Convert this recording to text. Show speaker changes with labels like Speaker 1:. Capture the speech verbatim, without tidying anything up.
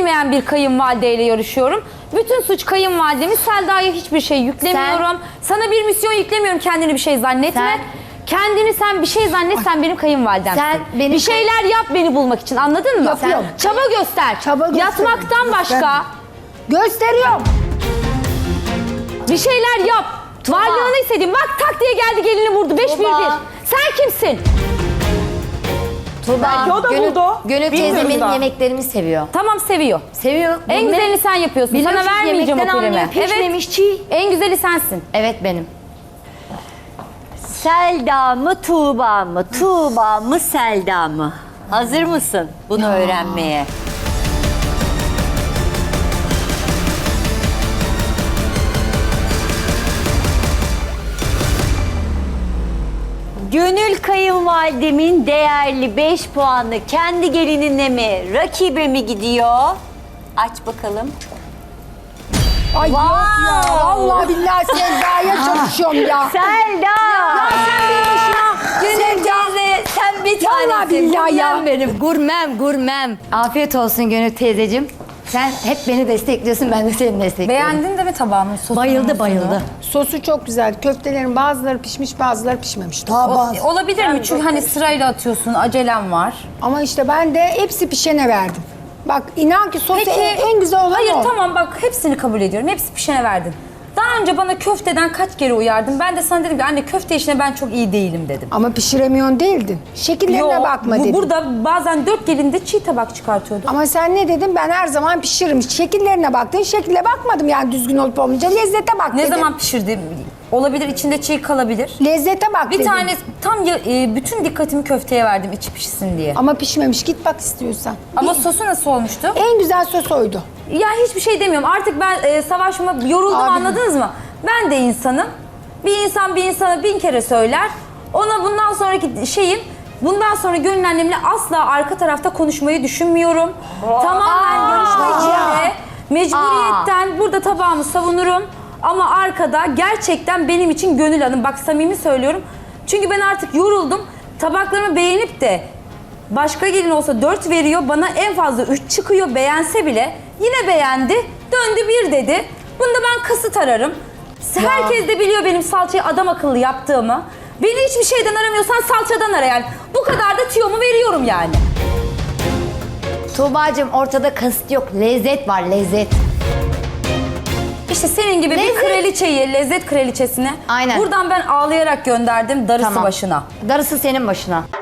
Speaker 1: bilmeyen bir kayınvalideyle yarışıyorum. Bütün suç kayınvalidemi. Selda'ya hiçbir şey yüklemiyorum. Sen, Sana bir misyon yüklemiyorum, kendini bir şey zannetme. Sen, Kendini sen bir şey zannet, sen benim kayınvalidemsin. Sen benim bir şeyler yap beni bulmak için, anladın mı?
Speaker 2: Yapıyorum.
Speaker 1: Sen çaba göster. Çaba Yatmaktan
Speaker 2: göster.
Speaker 1: başka.
Speaker 2: Gösteriyorum.
Speaker 1: Bir şeyler yap. Tuba. Varlığını hissedeyim. Bak tak diye geldi gelini vurdu. Beş bir bir. Sen kimsin?
Speaker 3: Tuba.
Speaker 4: Belki o da
Speaker 3: Gönül,
Speaker 4: buldu.
Speaker 3: Gönül teyzemin yemeklerimi seviyor.
Speaker 1: Tamam, seviyor.
Speaker 3: Seviyor.
Speaker 1: En
Speaker 3: Bu
Speaker 1: güzelini
Speaker 3: ne?
Speaker 1: sen yapıyorsun.
Speaker 3: Biliyorsun,
Speaker 1: sana vermeyeceğim o
Speaker 3: yemekten
Speaker 1: primi.
Speaker 3: anlıyor, pişmemiş, çiğ.
Speaker 1: En güzeli sensin.
Speaker 3: Evet benim.
Speaker 5: Selda mı Tuğba mı? Tuğba mı Selda mı? Hazır mısın bunu ya. öğrenmeye? Gönül kayınvalidemin değerli beş puanı kendi gelinine mi, rakibe mi gidiyor? Aç bakalım.
Speaker 2: Ay
Speaker 5: Wow.
Speaker 2: yok ya. Vallahi billahi Selda'ya çalışıyorum ya.
Speaker 5: Selda!
Speaker 2: Ya sen bir başına.
Speaker 5: Gönül teyze sen bir
Speaker 2: Vallahi
Speaker 5: tanesin.
Speaker 2: billahi ya.
Speaker 5: Gurmem benim, gurmem, gurmem.
Speaker 3: Afiyet olsun Gönül teyzeciğim. Sen hep beni destekliyorsun, ben de seni destekliyorum.
Speaker 1: Beğendin de mi tabağımın sosunu?
Speaker 3: Bayıldı bayıldı.
Speaker 2: Sosu çok güzel. Köftelerin bazıları pişmiş, bazıları pişmemiş. Daha bazı.
Speaker 1: Olabilir mi? Çünkü hani sırayla atıyorsun, acelem var.
Speaker 2: Ama işte ben de hepsi pişene verdim. Bak inan ki sosu
Speaker 1: Peki,
Speaker 2: en, en güzel olan
Speaker 1: hayır
Speaker 2: o.
Speaker 1: tamam bak hepsini kabul ediyorum. Hepsi pişene verdin. Daha önce bana köfteden kaç kere uyardın. Ben de sana dedim ki anne köfte işine ben çok iyi değilim dedim.
Speaker 2: Ama pişiremiyorsun değildin. Şekillerine
Speaker 1: Yo,
Speaker 2: bakma
Speaker 1: bu,
Speaker 2: dedim.
Speaker 1: burada bazen dört gelinde çiğ tabak çıkartıyordu.
Speaker 2: Ama sen ne dedin? Ben her zaman pişiririm. Şekillerine baktın. Şekile bakmadım yani düzgün olup olmayınca. Lezzete bak
Speaker 1: Ne
Speaker 2: dedim.
Speaker 1: zaman pişirdim? Olabilir, içinde çiğ kalabilir.
Speaker 2: Lezzete bak
Speaker 1: Bir
Speaker 2: dedim.
Speaker 1: tane tam ya- e, bütün dikkatimi köfteye verdim içi pişsin diye.
Speaker 2: Ama pişmemiş. Git bak istiyorsan.
Speaker 1: Ama sosu nasıl olmuştu?
Speaker 2: En güzel sos oydu.
Speaker 1: Ya hiçbir şey demiyorum. Artık ben e, savaşıma yoruldum,
Speaker 2: Abi.
Speaker 1: anladınız mı? Ben de insanım. Bir insan bir insana bin kere söyler. Ona bundan sonraki şeyim, bundan sonra Gönül annemle asla arka tarafta konuşmayı düşünmüyorum. Tamamen yarışma içinde, mecburiyetten burada tabağımı savunurum. Ama arkada gerçekten benim için Gönül Hanım. Bak samimi söylüyorum. Çünkü ben artık yoruldum. Tabaklarımı beğenip de başka gelin olsa dört veriyor. Bana en fazla üç çıkıyor beğense bile. Yine beğendi. Döndü bir dedi. Bunda ben kasıt ararım. Herkes de biliyor benim salçayı adam akıllı yaptığımı. Beni hiçbir şeyden aramıyorsan salçadan ara yani. Bu kadar da tüyomu veriyorum yani.
Speaker 3: Tuğba'cığım ortada kasıt yok, lezzet var, lezzet.
Speaker 1: İşte senin gibi
Speaker 3: Lezzet.
Speaker 1: bir kraliçeyi, lezzet kraliçesine
Speaker 3: Aynen.
Speaker 1: buradan ben ağlayarak gönderdim darısı
Speaker 3: Tamam.
Speaker 1: başına.
Speaker 3: Darısı senin başına.